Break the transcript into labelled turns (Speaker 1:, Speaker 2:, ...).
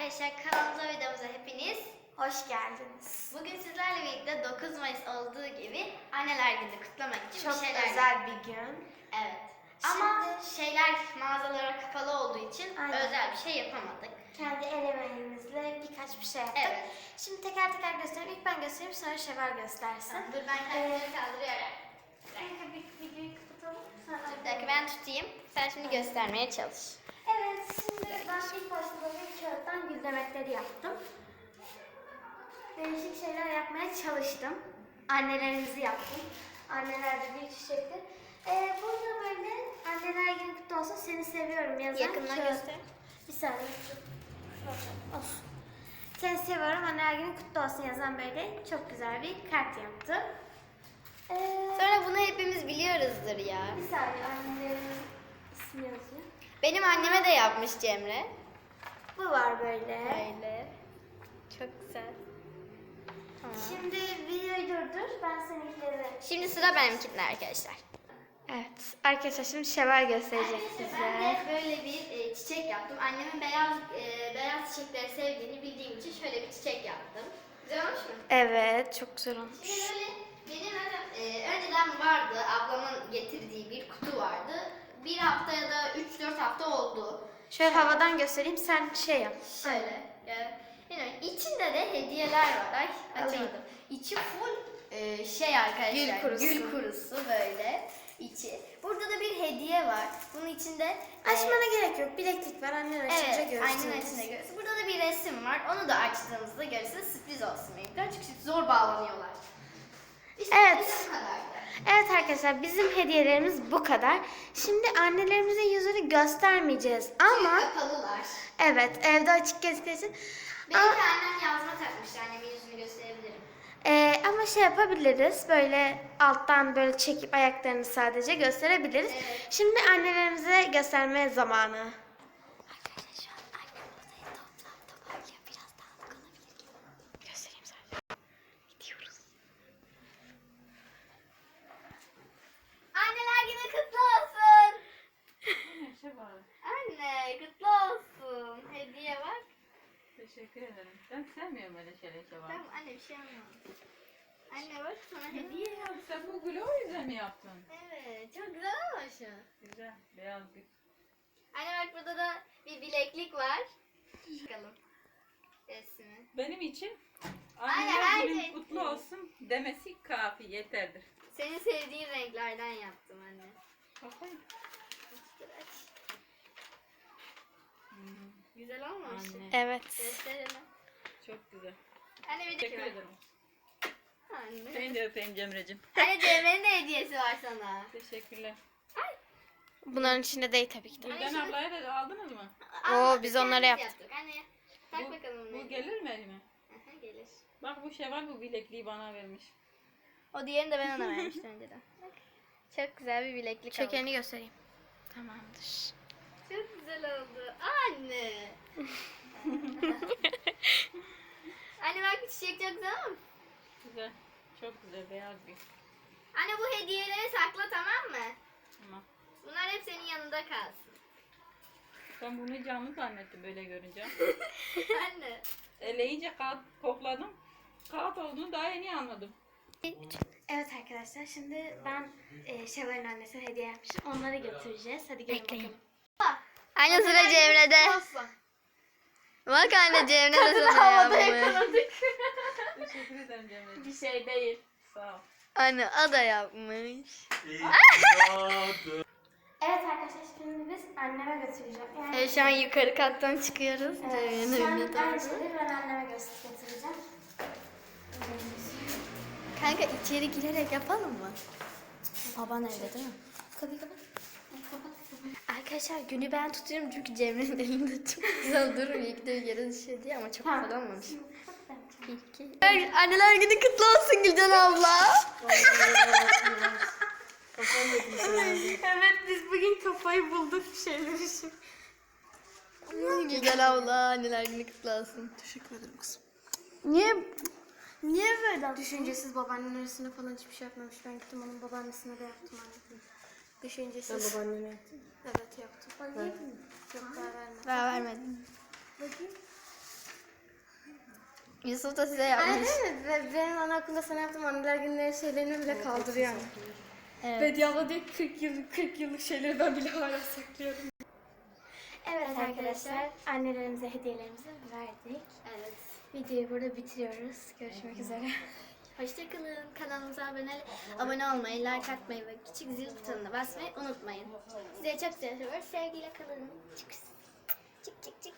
Speaker 1: arkadaşlar, kanalımıza videomuza hepiniz
Speaker 2: Hoş geldiniz.
Speaker 1: bugün sizlerle birlikte 9 Mayıs olduğu gibi Anneler Günü kutlamak için
Speaker 2: Çok
Speaker 1: bir şeyler
Speaker 2: özel bir gün.
Speaker 1: Evet. Ama şeyler mağazalara kapalı olduğu için
Speaker 2: Aynen.
Speaker 1: özel bir şey yapamadık.
Speaker 2: Kendi el emeğimizle birkaç bir şey yaptık.
Speaker 1: Evet.
Speaker 2: Şimdi teker teker göstereyim. İlk ben göstereyim, sonra Şevval göstersin.
Speaker 1: Dur ben kendimi kaldırıyorum.
Speaker 2: Kanka bir videoyu kapatalım. Sonra
Speaker 1: Bir dakika ben tutayım. Sen şimdi göstermeye çalış.
Speaker 2: Evet, şimdi ben ilk başta böyle kağıttan gül demetleri yaptım. Değişik şeyler yapmaya çalıştım. Annelerimizi yaptım. Anneler de bir çiçekti. Burada böyle anneler günü kutlu olsun, seni seviyorum yazan
Speaker 1: Yakından
Speaker 2: kağıt.
Speaker 1: göster.
Speaker 2: Bir saniye. Olsun. Seni seviyorum, anneler günü kutlu olsun yazan böyle çok güzel bir kart yaptım.
Speaker 1: Sonra bunu hepimiz biliyoruzdur ya.
Speaker 2: Bir saniye, annelerin ismi yazıyor.
Speaker 1: Benim anneme de yapmış Cemre.
Speaker 2: Bu var böyle.
Speaker 1: Böyle. Çok güzel. Tamam.
Speaker 2: Şimdi videoyu durdur, ben seninkileri...
Speaker 1: Şimdi sıra benimkinde arkadaşlar.
Speaker 2: Evet, arkadaşlar şimdi Şevval gösterecek
Speaker 1: Ben de böyle bir çiçek yaptım. Annemin beyaz çiçekleri sevdiğini bildiğim için şöyle bir çiçek yaptım. Güzel olmuş mu?
Speaker 2: Evet, çok güzel olmuş.
Speaker 1: Şimdi böyle benim önceden vardı, ablamın getirdiği bir kutu vardı. Bir hafta ya da 3-4 hafta oldu.
Speaker 2: Şöyle havadan göstereyim, sen şey yap.
Speaker 1: Şöyle. Yani içinde de hediyeler var. Ay açamadım. İçi full şey arkadaşlar.
Speaker 2: Gül kurusu.
Speaker 1: Gül kurusu böyle içi. Burada da bir hediye var. Bunun içinde
Speaker 2: Açmana gerek yok, bileklik var, annen açınca
Speaker 1: evet,
Speaker 2: görürsünüz.
Speaker 1: aynen açınca görürsün. Burada da bir resim var. Onu da açtığımızda görürsünüz. Sürpriz olsun benimkiler. Çünkü zor bağlanıyorlar. İşte
Speaker 2: Evet.
Speaker 1: bu kadardı.
Speaker 2: Evet arkadaşlar, bizim hediyelerimiz bu kadar. Şimdi annelerimizin yüzünü göstermeyeceğiz ama...
Speaker 1: Çünkü kapalılar.
Speaker 2: Evet, evde açık gözüküyor için.
Speaker 1: Benim de annem yazma takmıştı. Annemin yüzünü gösterebilirim.
Speaker 2: Ama şey yapabiliriz, böyle alttan böyle çekip ayaklarını sadece gösterebiliriz.
Speaker 1: Evet.
Speaker 2: Şimdi annelerimize gösterme zamanı. Arkadaşlar şu an annem odayı toparlıyor. Biraz dağınık olabilir. Göstereyim sadece. Gidiyoruz.
Speaker 1: Anneler günü kutlu olsun.
Speaker 3: Şey var.
Speaker 1: Anne kutlu olsun. Hediye bak.
Speaker 3: Teşekkür ederim. Ben sevmiyorum öyle şeyler var.
Speaker 1: Tamam anne bir şey olmaz. Anne bak sana hediye.
Speaker 3: Ya sen bu gülü o yüzden mi yaptın?
Speaker 1: Evet çok güzel olmuş.
Speaker 3: Güzel. Beyaz gül.
Speaker 1: Anne bak burada da bir bileklik var. Bakalım. Resmi.
Speaker 3: Benim için
Speaker 1: Aynen,
Speaker 3: anneler
Speaker 1: her
Speaker 3: günün
Speaker 1: şey.
Speaker 3: kutlu olsun demesi kafi yeterdir.
Speaker 1: Senin sevdiğin renklerden yaptım anne.
Speaker 3: Bakayım.
Speaker 1: Dur aç. Güzel olmamış.
Speaker 3: Anne.
Speaker 2: Evet.
Speaker 1: Gösterelim.
Speaker 3: Çok güzel.
Speaker 1: Anne bir
Speaker 3: Teşekkür
Speaker 1: dakika.
Speaker 3: ederim.
Speaker 1: Anne.
Speaker 3: Seni de öpeyim Cemre'cim.
Speaker 1: Anne Cemre'nin de hediyesi var sana.
Speaker 3: Teşekkürler.
Speaker 2: Bunların içinde değil tabii ki de.
Speaker 3: Gülden ablaya da aldınız mı?
Speaker 1: Almadık,
Speaker 2: biz onları
Speaker 1: kendimiz
Speaker 2: yaptık.
Speaker 1: Anne tak bakalım.
Speaker 3: Bu gelir mi elime?
Speaker 1: Aha, gelir.
Speaker 3: Bak bu Şevval bu bilekliği bana vermiş.
Speaker 1: O diğerini de ben ona vermiştim önceden. Bak. Çok güzel bir bileklik aldım.
Speaker 2: Şekerini göstereyim. Tamamdır.
Speaker 1: Çok güzel oldu. Anne. Anne bak bu çiçek çok güzel ama.
Speaker 3: Güzel. Çok güzel beyaz gül.
Speaker 1: Anne bu hediyeleri sakla tamam mı?
Speaker 3: Tamam.
Speaker 1: Bunlar hep senin yanında kalsın.
Speaker 3: Ben bunu canlı zannettim böyle görünce.
Speaker 1: Anne.
Speaker 3: Eleyince kağıt kokladım. Kağıt olduğunu daha yeni anladım.
Speaker 2: Evet arkadaşlar, şimdi ben Şevval'in annesine hediye yapmışım. Onları götüreceğiz. Hadi gelin bakalım.
Speaker 1: Anne sıra Cemre'de. Bak anne Cemre de sana yapmış.
Speaker 3: Teşekkür ederim Cemre'ciğim.
Speaker 2: Bir şey değil.
Speaker 3: Sağ ol.
Speaker 1: Anne o da yapmış.
Speaker 2: Evet arkadaşlar, şimdi biz anneme götüreceğim. Yani,
Speaker 1: Evet şu an yukarı kattan çıkıyoruz. Cemre'nin
Speaker 2: şu an
Speaker 1: önüne
Speaker 2: aynı
Speaker 1: doğru.
Speaker 2: şeyleri ben anneme götüreceğim.
Speaker 1: Kanka içeri girerek yapalım mı? Baban evde değil mi?
Speaker 2: Kapıyı kapat. Kapat.
Speaker 1: Arkadaşlar günü ben tutuyorum çünkü Cemre'nin elinde çok güzel durmuyor. İlk de yere düşüyor diye ama çok güzel olmamış. Anneler günü kutlu olsun Gülcan abla.
Speaker 2: Evet, biz bugün kafayı bulduk bir şeyler için.
Speaker 1: Gülcan abla anneler günü kutlu olsun.
Speaker 2: Teşekkür ederim kızım. Niye böyle? Düşüncesiz babaannenin arasında falan hiçbir şey yapmamış. Ben gittim onun babaannesine de yaptım anne. Düşüncesiz.
Speaker 4: Sen babaannene yaptın.
Speaker 2: Evet yaptım. Yok daha vermedim.
Speaker 1: Daha vermedim.
Speaker 2: Bakayım.
Speaker 1: Yusuf da size yapmış.
Speaker 2: Aynen mi? Benim anaokulunda sana yaptığım anneler günleri şeylerini bile kaldırıyor yani.
Speaker 1: Evet.
Speaker 2: Bediye abla diyor 40 yıllık şeyleri ben bile hala saklıyorum. Evet arkadaşlar, annelerimize hediyelerimizi verdik.
Speaker 1: Evet.
Speaker 2: Videoyu burada bitiriyoruz. Görüşmek üzere.
Speaker 1: Hoşçakalın. Kanalımıza abone olmayı, like atmayı ve küçük zil butonuna basmayı unutmayın. Size çok seviyoruz. Sevgiyle kalın. Çık çık çık çık.